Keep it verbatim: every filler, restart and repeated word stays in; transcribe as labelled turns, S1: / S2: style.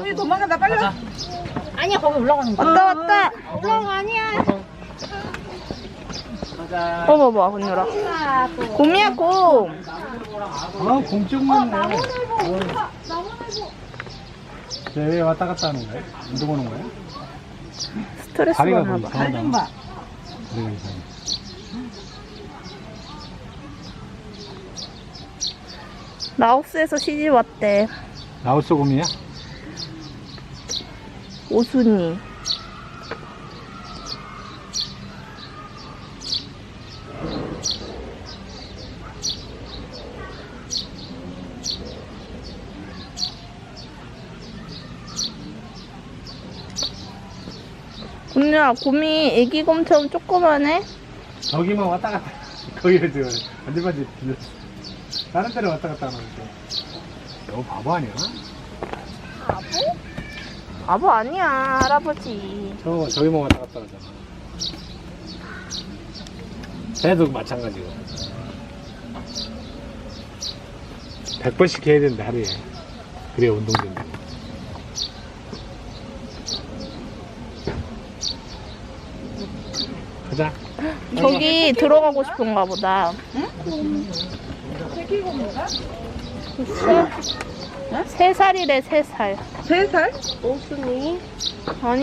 S1: 우리 도망간다 빨리.
S2: 가자.
S3: 아니야 거기 올라가는 거야.
S4: 왔다 왔다.
S3: 올라가 아니야.
S2: 가자.
S4: 어 봐봐 건율아. 곰이야 곰.
S2: 아, 공쪽만 네. 쟤왜 왔다 갔다 하는 거야? 운동하는 거야?
S4: 스트레스
S2: 다리가
S4: 받나
S2: 뭐
S4: 봐.
S1: 발 좀 봐.
S2: 다리가 이상해.
S4: 라오스에서 시집 왔대.
S2: 라오스 곰이야?
S4: 오순이. 건율아 곰이 애기 곰처럼 조그만해.
S2: 저기만 왔다 갔다. 거기를 지금 반질반질 빌렸어. 다른 데로 왔다 갔다 하는 거. 너 바보 아니야?
S4: 아버 아니야 할아버지.
S2: 저, 저기만 왔다 갔다 하잖아. 쟤도 마찬가지고. 백 번씩 해야 되는데, 하루에. 그래야 운동 된다. 가자.
S4: 저기 들어가고 싶은가 보다. 세, 세 살이래 세 살.
S1: 세 살?
S4: 오순이. 아니